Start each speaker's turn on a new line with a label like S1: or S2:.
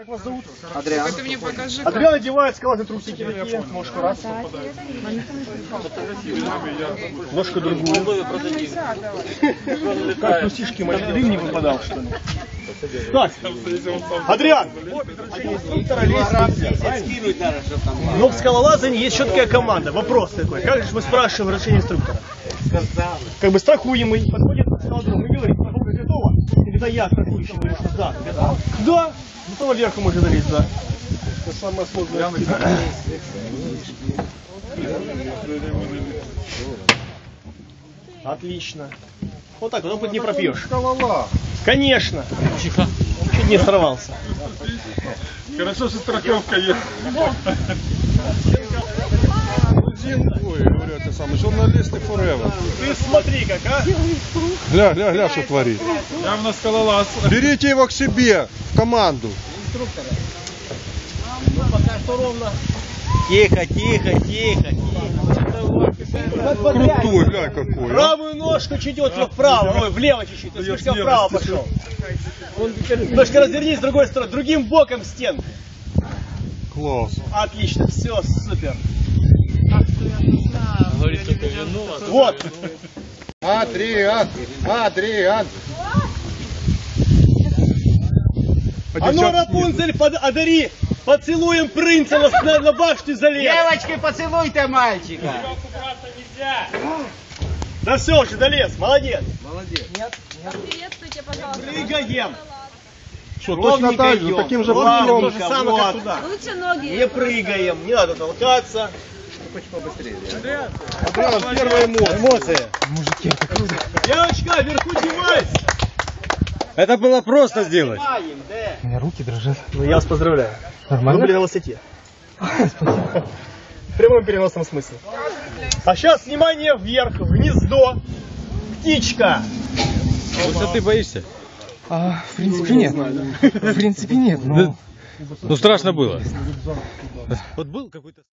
S1: Как вас зовут?
S2: Адриан.
S3: Ты мне покажи.
S1: Адриан одевает скалатые трусики такие. Ножку раз. Ножку другую. Как трусишки мои? Дым не выпадал, что ли? Так, Адриан. Но в скалолазании есть четкая команда. Вопрос такой. Как же мы спрашиваем разрешение инструктора? Как бы страхуемый подходит к скалодрому и говорит: готово? И когда я страхующий говорю, что да, готово. Да, готово вверху можно залезть, да. Это самое сложное. Отлично. Вот так, вот опыт не пропьешь. Конечно. Чуть не сорвался.
S4: Хорошо, что страховка есть. Ой, говорю, это самое, журналисты forever.
S1: Ты смотри как, а?
S4: Гля, что творит. Явно скалолаз. Берите его к себе, в команду.
S1: Инструктора. Ну, пока что ровно. Тихо.
S4: Крутой, гля какой.
S1: Правую ножку чуть вправо, ой, влево чуть-чуть. Ты слишком вправо пошел. Ножка развернись с другой стороны, другим боком стен.
S4: Класс.
S1: Отлично, все, супер. Вот.
S4: Адриан.
S1: А ну, Рапунцель, одари поцелуем принца на башню залез.
S2: Девочки, поцелуйте мальчика.
S1: Да все уже, долез, молодец.
S3: Приветствуйте, пожалуйста.
S1: Прыгаем.
S4: Что, точно так же, таким же путем?
S1: То же самое, как туда.
S3: Лучше ноги.
S1: Не прыгаем, не надо толкаться.
S4: Адриан, первые эмоции.
S5: Мужики, это круто.
S1: Девочка, вверху девайся.
S5: Это было просто сделать.
S1: Снимаем, да.
S5: У меня руки дрожат.
S1: Ну, я вас поздравляю.
S5: Нормально?
S1: Вы были на высоте. В прямом переносном смысле. А сейчас, внимание, вверх, в гнездо. Птичка.
S5: Высоты боишься?
S6: В принципе нет. В принципе нет, но...
S5: Ну страшно было. Вот был какой-то...